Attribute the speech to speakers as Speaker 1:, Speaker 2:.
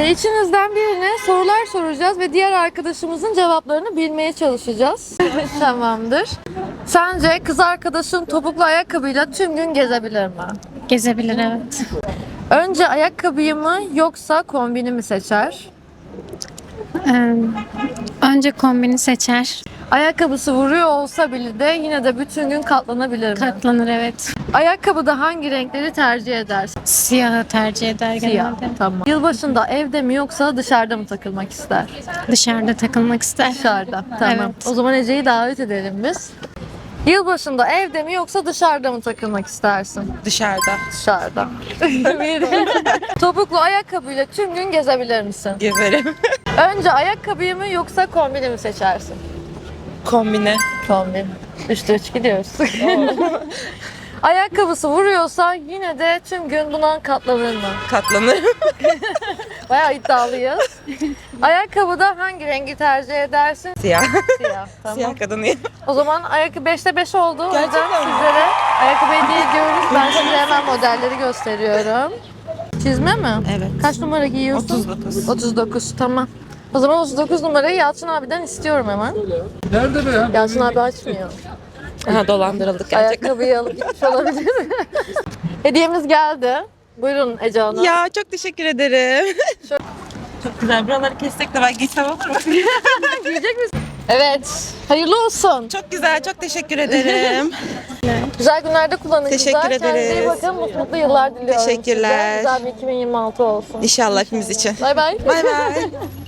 Speaker 1: İçinizden birine sorular soracağız ve diğer arkadaşımızın cevaplarını bilmeye çalışacağız. Tamamdır. Sence kız arkadaşın topuklu ayakkabıyla tüm gün gezebilir mi?
Speaker 2: Gezebilir, evet.
Speaker 1: Önce ayakkabıyı mı yoksa kombini mi seçer?
Speaker 2: Önce kombini seçer.
Speaker 1: Ayakkabısı vuruyor olsa bile de yine de bütün gün katlanabilir mi?
Speaker 2: Katlanır, evet.
Speaker 1: Ayakkabıda hangi renkleri tercih edersin?
Speaker 2: Siyahı tercih eder
Speaker 1: Siyah.
Speaker 2: genelde.
Speaker 1: Tamam. Yılbaşında evde mi yoksa dışarıda mı takılmak ister?
Speaker 2: Dışarıda takılmak ister.
Speaker 1: Dışarıda. Tamam.
Speaker 2: Evet.
Speaker 1: O zaman Ece'yi davet edelim biz. Yılbaşında evde mi yoksa dışarıda mı takılmak istersin?
Speaker 3: Dışarıda.
Speaker 1: Dışarıda. Topuklu ayakkabıyla tüm gün gezebilir misin?
Speaker 3: Gezerim.
Speaker 1: Önce ayakkabıyı mı yoksa kombini mi seçersin?
Speaker 3: Kombine.
Speaker 1: Kombin. 3'te 3 gidiyoruz. Ayakkabısı vuruyorsa yine de tüm gün buna katlanır mı?
Speaker 3: Katlanırım.
Speaker 1: Bayağı iddialıyız. Ayakkabıda hangi rengi tercih edersin?
Speaker 3: Siyah.
Speaker 1: Siyah. Tamam.
Speaker 3: Siyah kadınıyım.
Speaker 1: O zaman ayakkabı 5'te 5 oldu. O yüzden
Speaker 3: Gerçekten mi?
Speaker 1: sizlere ayakkabı hediye ediyoruz. Ben size hemen modelleri gösteriyorum. Çizme mi?
Speaker 3: Evet.
Speaker 1: Kaç numara giyiyorsun?
Speaker 3: 39.
Speaker 1: 39, tamam. O zaman 39 numarayı Yalçın abiden istiyorum hemen.
Speaker 4: Nerede be?
Speaker 1: Yalçın abi açmıyor.
Speaker 3: Aha, dolandırıldık gerçekten.
Speaker 1: Ayakkabıyı alıp gitmiş olabilir. Hediyemiz geldi. Buyurun Ece Hanım.
Speaker 3: Ya çok teşekkür ederim. Çok güzel. Buraları kessek de ben giysem olur mu?
Speaker 1: Giyecek misin? Evet. Hayırlı olsun.
Speaker 3: Çok güzel. Çok teşekkür ederim.
Speaker 1: Güzel günlerde kullanın
Speaker 3: Teşekkür
Speaker 1: kızlar. Kendinize iyi
Speaker 3: ederiz.
Speaker 1: bakın. Mutlu yıllar diliyorum
Speaker 3: Teşekkürler.
Speaker 1: size. Güzel bir 2026 olsun.
Speaker 3: İnşallah hepimiz için.
Speaker 1: Bay bay.
Speaker 3: Bay bay.